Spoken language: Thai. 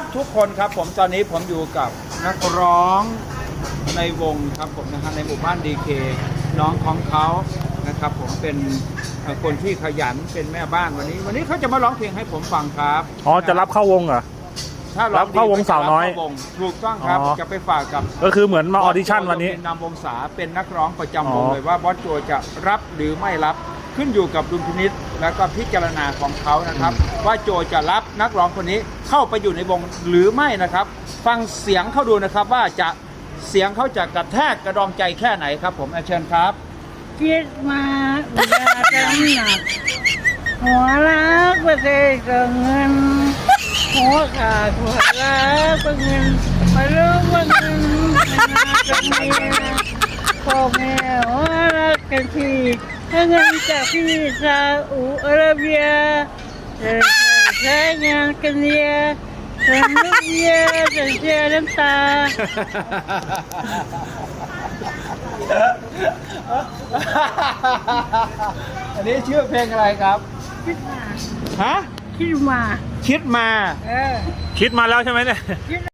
ทุกคนครับผมตอนนี้ผมอยู่กับนักร้องในวงครับผมนะฮะในหมู่บ้านดีเคน้องของเขานะครับผมเป็นคนที่ขยันเป็นแม่บ้านวันนี้เขาจะมาร้องเพลงให้ผมฟังครับอ๋อจะรับเข้าวงเหรอถ้าร้องรับเข้าวงสาวน้อยรับเข้าวงถูกต้องครับอ๋อจะไปฝากกับก็คือเหมือนมาออดิชั่นวันนี้นำวงศาเป็นนักร้องประจำวงอ๋อเลยว่าบอสโจจะรับหรือไม่รับขึ้นอยู่กับดุลพินิจและก็พิจารณาของเขานะครับ ว่าโจจะรับนักร้องคนนี้เข้าไปอยู่ในวงหรือไม่นะครับ ฟังเสียงเขาดูนะครับว่าจะเสียงเขาจะกระแทกกระดองใจแค่ไหนครับผมเชิญครับคิดมาอุยาจำหนักหัวรักประเทศก็เงินหัวขาดหัวรักก็เงินมารู้ว่าเงินมันมาจากเมียพ่อแม่หัวรักกันทีถ้าเงินจากพี่ซาอุอาระเบียจะใช้งานกันเนียฉันลูกเมียจะเสียน้ำตาอันนี้ชื่อเพลงอะไรครับคิดมาฮะคิดมาคิดมาเออคิดมาแล้วใช่ไหมเนี่ยคิด